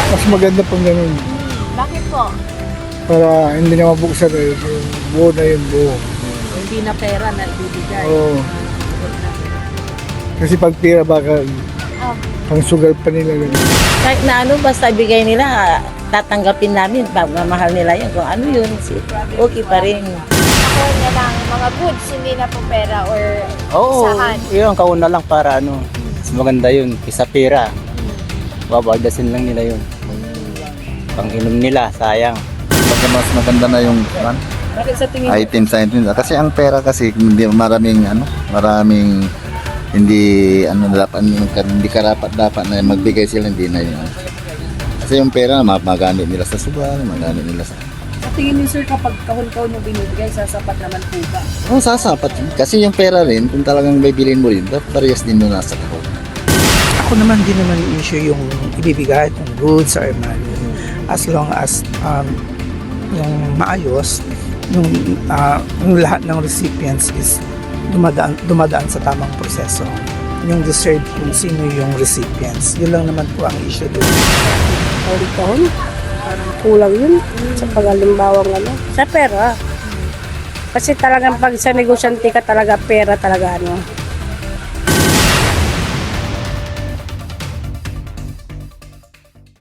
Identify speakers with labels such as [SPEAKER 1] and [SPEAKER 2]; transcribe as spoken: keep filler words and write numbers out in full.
[SPEAKER 1] Mas maganda pang ganun.
[SPEAKER 2] Bakit po?
[SPEAKER 1] Para hindi na mabuksan eh. Buo na yung buo.
[SPEAKER 2] Hindi na pera na ibibigay.
[SPEAKER 1] Oo. Kasi pag pira baka
[SPEAKER 2] Ah,
[SPEAKER 1] pang sugal pa nila ganun.
[SPEAKER 3] Kahit na ano, basta ibigay nila, tatanggapin namin. Pagmamahal nila yun. Kung ano yun, okay pa rin.
[SPEAKER 2] ako na lang mga goods, hindi na po pera or
[SPEAKER 4] Oo,
[SPEAKER 2] isahan.
[SPEAKER 4] yun, kauna lang para ano, mas maganda yun, kisa pera. Babardasin lang nila yun. Pang-inom nila, sayang.
[SPEAKER 5] Mas mas maganda na yung kan,
[SPEAKER 2] Bakit sa tingin
[SPEAKER 5] item sa item. Kasi ang pera kasi hindi maraming ano, maraming hindi ano dapat hindi karapat dapat na magbigay sila hindi na yun. Kasi yung pera magamit nila sa sugal, magamit nila sa
[SPEAKER 2] Sa tingin niyo sir, kapag kahon-kahon yung binibigay, sasapat naman po ba?
[SPEAKER 5] oh, sasapat. Kasi yung pera rin, kung talagang bibilin mo rin, dapat parehas din doon nasa kahon.
[SPEAKER 6] Ako naman din naman issue yung ibibigay, yung goods or money. As long as um, yung maayos, yung, uh, yung lahat ng recipients is dumadaan, dumadaan sa tamang proseso. Yung deserve kung sino yung recipients. Yun lang naman po ang issue doon.
[SPEAKER 7] Kahon-kahon. Parang kulang yun sa pag-alimbawang ano. Sa pera. Kasi talagang pag sa negosyante ka talaga pera talaga ano.